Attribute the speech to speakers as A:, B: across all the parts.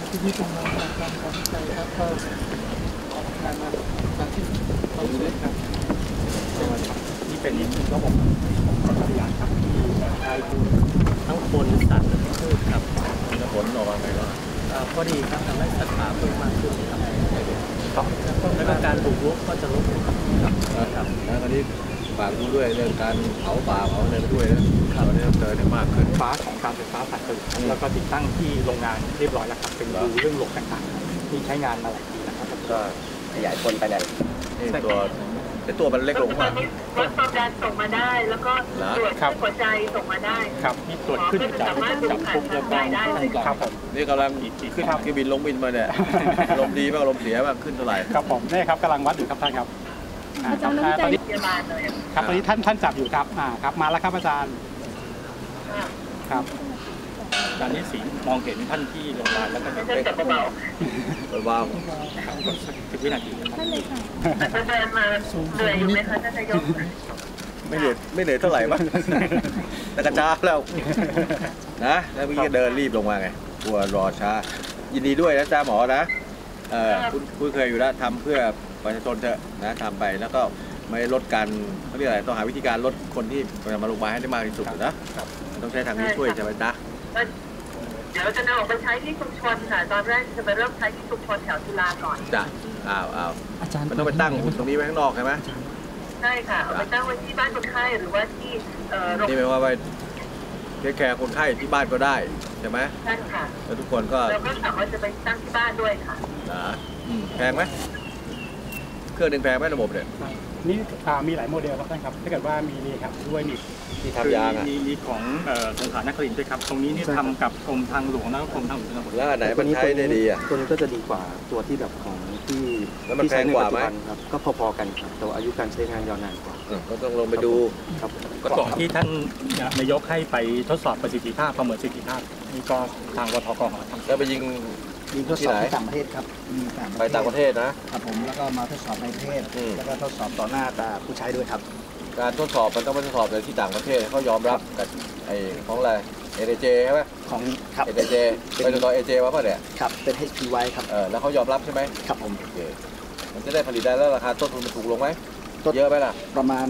A: ที่เป็นมาจากการตัดสินใจครับก็งานมาจากที่เราอยู่ด้วยครับ
B: นี่เป็นระบบของกรมอุทยานครับที่ได้ดูทั้งคนสัตว์และพืชครับ
C: ผลออกมาไงบ้าง
B: พอดีครับทำให้สัตว์ป่าเพิ่มมากขึ้นครับแล้วก็การปลูกรุกก็จะลดลงครับ
C: แล้วตอนนี้ฝากดูด้วยเรื่องการเผาป่าเผาอะไรด้วยนะตอนนี้เจอเนี่ยมากขึ้น
B: ฟ้าของการไฟฟ้าฝ่ายผลิตแล้วก็ติดตั้งที่โรงงานเรียบร้อยแล้วครับเป็นดูเรื่องหลกต่างๆที่ใช้งานมาหลายปีแล้วครับ
C: ก็
D: ขยายผลไปเลย
C: ตัวมันเล็กลงมาก
E: วัดความดันส่งมาได้แล้วก็ตรวจหัวใจส่งมาได้
B: ครับนี่ตรวจขึ้นจากปุ๊บแล้วก็ครับผม
C: นี่กำลังขึ้นคือบินลงบินมาเนี่ยลมดีบ้างลมเสียบ้างขึ้นเท่าไหร่
B: ครับผมนี่ครับกำลังวัดอยู่ครับท่านครับ
E: อาจารย์ตอนนี้
B: ครับตอนนี้ท่านจับอยู่ครับครับมาแล้วครับอาจารย์ครับอาจารย์นี่สีมองเห็นท่านที่ลงมาแล้วก็จะ
E: เป็นเบา
C: เบา
B: 10 วินาที
E: ท่านเลยค่ะอาจารย์มาเหนื่อยอยู่ไหมคะท่านนายก
C: ไม่เหนื่อยเท่าไหร่บ้างแต่กระช้าแล้วนะแล้วเมื่อกี้เดินรีบลงมาไงกลัวรอช้ายินดีด้วยนะจ้าหมอนะคุณเคยอยู่แล้วทำเพื่อประชาชนเถอะนะทำไปแล้วก็ไม่ลดการเขาเรียกอะไรต้องหาวิธีการลดคนที่มาลงมาให้ได้มากที่สุดนะต้องใช้ทางนี้ช่วยใช่ไหมจ๊ะ
E: เดี๋ยวเราจะนำออกไปใช้ที่ชุมชนค่ะตอนแรกจะไปเริ่มใช้ที่ชุมชนแถวจุฬาก่อน
C: จ้ะมันต้องไปตั้งตรงนี้ไว้ข้างนอกใช่ไหม
E: ใช่ค่ะเอาไปตั้งไว้ที่บ้านคนไข้หรือว่าที่
C: นี่หมายว่าไปเทคแคร์คนไข้ที่บ้านก็ได้ใช่ไหม
E: ใช่ค่ะ
C: แล้วทุกคนก็
E: เราก็สามารถจะไปตั้งที่บ้านด้วยค่ะ
C: แพงไหมเครื่องหนึ่งแพงไหมระบบเนี่ย
B: นี่มีหลายโมเดลครับท่านครับถ้าเกิดว่ามีนี่ครับด้วยมี
C: ทำยาง
B: มีของสงขลานครินทร์ด้วยครับตรงนี้นี่ทำกับกรมทางหลวงแล้วก็กรมทางหลวงชนบท
C: แล้วไหนมันใช้ได้ดีอ่ะ
D: ตัวนี้ก็จะดีกว่าตัวที่แบบของที่
C: ใช้ในปัจจุบัน
D: ครับก็พอๆกันครับแต่อายุการใช้งานยาวนานกว่า
C: ก็ต้องลงไปดู
D: ครับ
B: ก่อนที่ท่านนายกให้ไปทดสอบประสิทธิภาพประเมินประสิทธิภาพนี่ก็ทางวทก.ทำ
C: แล้วไปยิง
D: ทดสอบที่ต่างประเทศครับ
C: ไปต่างประเทศนะครับ
D: ผมแล้วก็มาทดสอบในประเทศแล้วก็ทดสอบต่อหน้าตาผู้ใช้ด้วยครับ
C: การทดสอบมันต้องไปทดสอบในที่ต่างประเทศเขายอมรับกับไอ้ของอะไรADJ ใช่ไหม
D: ของครับ
C: ADJ ไปตัวAJ ว่าป่ะเนี่ย
D: ครับเป็น HPY ครับ
C: แล้วเขายอมรับใช่ไหม
D: ครับผม
C: โอเคมันจะได้ผลิตได้แล้วราคาต้นทุนมันถูกลงไหมเยอะไหมล่ะ
D: ประมาณ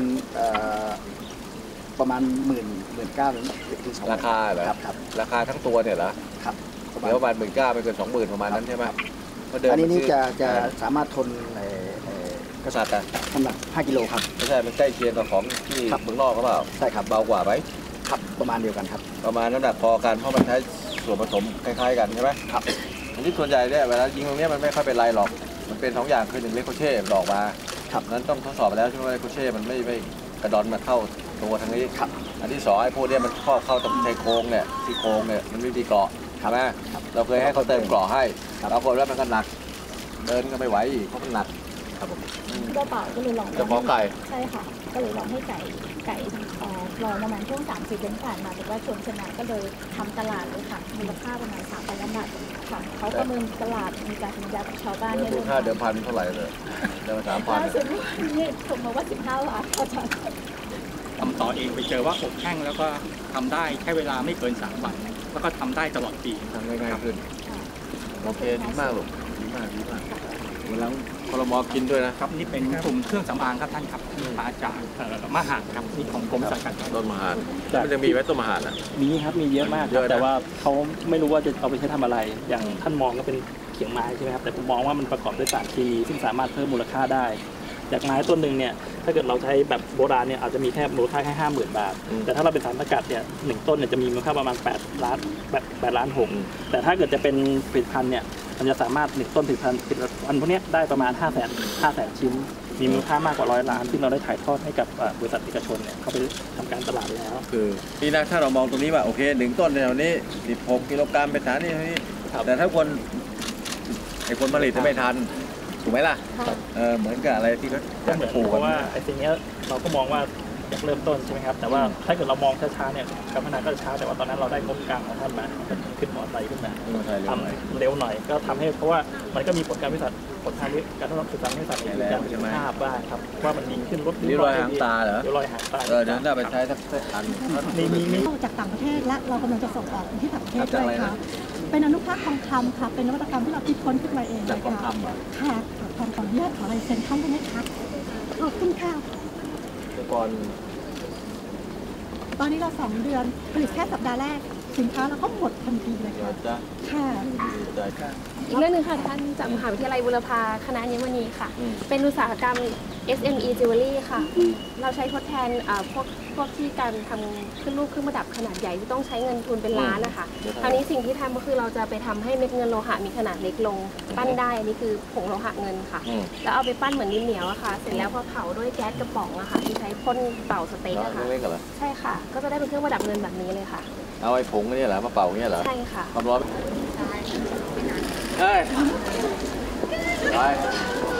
D: 19,000ถึง
C: 20,000ราคาเหรอ
D: ครับ
C: ราคาทั้งตัวเนี่ยเหรอ
D: ครับ
C: เดี๋ยวประมาณ19,000ไม่เกิน20,000ประมาณนั้นใช่ไหม
D: อันนี้จะสามารถทน
C: กษัตริย์
D: น้ำหนัก5 กิโลครับ
C: ไม่ใช่มันใกล้เคียงกับของที่เมืองนอกหรือเปล่า
D: ใช่ครับ
C: เบากว่าไหม
D: ครับประมาณเดียวกันครับ
C: ประมาณน้ำหนักพอกันเพราะมันใช้ส่วนผสมคล้ายๆกันใช่ไหม
D: ครับ
C: อันนี้ส่วนใหญ่เนี่ยเวลายิงตรงนี้มันไม่ค่อยเป็นไรหรอกมันเป็น2อย่างคือ1เลโคเช่ดอกมา
D: ครับ
C: นั้นต้องทดสอบไปแล้วใช่ไหมเลโคเช่มันไม่กระดอนมาเข้าตัวทางนี้
D: ครับ
C: อันที่2ไอ้พวกนี้มันเข้าตรงชายโครงเนี่ยที่โครงเนี่ยมันไม่มีเกราะใช่ไหมเราเคยให้เขาเติมเกราะให้เราคนแล้วมันก็หนักเดินก็ไม่ไหวอีกเพราะมันหนัก
F: ครับผมเจ้าป่าก็เลยลอง
C: จะขอไก่
F: ใช่ค่ะก็เลยลองให้ไก่ลองประมาณช่วง3-4 เดือนผ่านมาแต่ว่าชวนชนะก็เลยทำตลาดเลยค่ะมูลค่าประมาณ3,000 ล้านบาทค่ะเขาประเมินตลาดมีการสัญญากับชาวบ้าน
C: เนี่ยมูลค่าเดิมพันเท่าไหร่เลยเดิม3,000
F: ล่าสุดนี่ผมมาว่า15 ล้านอาจารย์
B: ทำต่อเองไปเจอว่าอบแห้งแล้วก็ทำได้แค่เวลาไม่เกิน3 วันแล้วก็ทำได้ตลอดปี
C: ทำง่ายขึ้นโอเคดีมากลูกดีมากแล้วคลมกินด้วยนะครับ
B: นี่เป็นกลุ่มเครื่องสำอางครับท่านครับมาจากมหาดครับนี่ของกรมสังกัด
C: ต้นมหาดมันจะมีไว้ต้นมหาดนะ
G: มีครับมีเยอะมากแต่ว่าเขาไม่รู้ว่าจะเอาไปใช้ทำอะไรอย่างท่านมองก็เป็นเขียงไม้ใช่ไหมครับแต่ผมมองว่ามันประกอบด้วยสารเคมีซึ่งสามารถเพิ่มมูลค่าได้จากไม้ต้นหนึ่งเนี่ยถ้าเกิดเราใช้แบบโบราณเนี่ยอาจจะมีแค่มูลค่าแค่50,000 บาทแต่ถ้าเราเป็นสารสกัดเนี่ย1 ต้นเนี่ยจะมีมูลค่าประมาณ8 ล้าน6แต่ถ้าเกิดจะเป็นผลิตภัณฑ์เนี่ยมันจะสามารถ1 ต้นผลิตภัณฑ์พวกนี้ได้ประมาณ500,000 ชิ้นมีมูลค่ามากกว่า100 ล้านที่เราได้ถ่ายทอดให้กับบริษัทเอกชนเนี่ยเขาไปทำการตลาดแล้ว
C: คือที่นะถ้าเรามองตรงนี้ว่าโอเค1 ต้นในแนวนี้16 กิโลกรัมเป็นฐานนี่แต่ถ้าคนผลิตจะไม่ทันถูกไหมล่ะเหมือนกับอะไรที่เขา
G: ปลูกเพราะว่าไอ้สิ่งนี้เราก็มองว่าอยากเริ่มต้นใช่ไหมครับแต่ว่าถ้าเกิดเรามองช้าๆเนี่ยการพัฒนาก็ช้าแต่ว่าตอนนั้นเราได้งบกลางของท่านมาขึ้นมอไซค์ขึ้นมาทำเร็วหน่อยก็ทำให้เพราะว่ามันก็มีผลการวิจัยผลทางการทดลองศึกษาให้สัตว์ในการประสิทธิภาพบ้างครับว่ามันดีขึ้นลด
C: รอยหางตาเหรอ
G: รอยหางตา
C: เดี๋ยวน่าไปใช้สักอัน
F: มีจากต่างประเทศและเรากำลังจะส่งออกที่ต่างประเทศด้วยครับ
H: เป็นอนุภาคทองคำค่ะเป็นนวัตกรรมที่เราคิดค้นขึ้นมาเอง
C: จากทองคำเหรอ
H: ค่ะขออนุญาตขอลายเซ็นท่านได้ไหมคะขอบคุณค่ะ
C: แต่ก่อน
H: ตอนนี้เรา2 เดือนผลิตแค่สัปดาห์แรกสินค้าเราก็หมดทันทีเลย
C: เดี๋ยว
H: ค่ะ
C: จะ
H: ค่ะ
C: ดีใจกัน
I: อีกเรื่องหนึงค่ะท่านจากมหาวิทยาลัยบุรพาคณะอัญมณีค่ะ เป็นอุตสาหกรรม SME Jewelry ค่ะ เราใช้ทดแทนพวกที่การทำขึ้นรูปเครื่องประดับขนาดใหญ่ที่ต้องใช้เงินทุนเป็นล้านนะคะคราวนี้สิ่งที่ทำก็คือเราจะไปทำให้เม็ดเงินโลหะมีขนาดเล็กลงปั้นได้อันนี้คือผงโลหะเงินค่ะ แล้วเอาไปปั้นเหมือนดินเหนียวอะค่ะ เสร็จแล้วพอเผาด้วยแก๊สกระป๋องอะค่ะที่ใช้พ่นเป่าสเต็กอะค่ะ
C: เล็กๆเหรอ
I: ใช่ค่ะ ก็จะได้เป็นเครื่องประดับเงินแบบนี้เลยค่ะ
C: เอาไอ้ผงนี่เหรอมาเป่าเนี่ยเหรอ
I: ใช่ค่ะ
C: ความร้อนเฮ้ยไป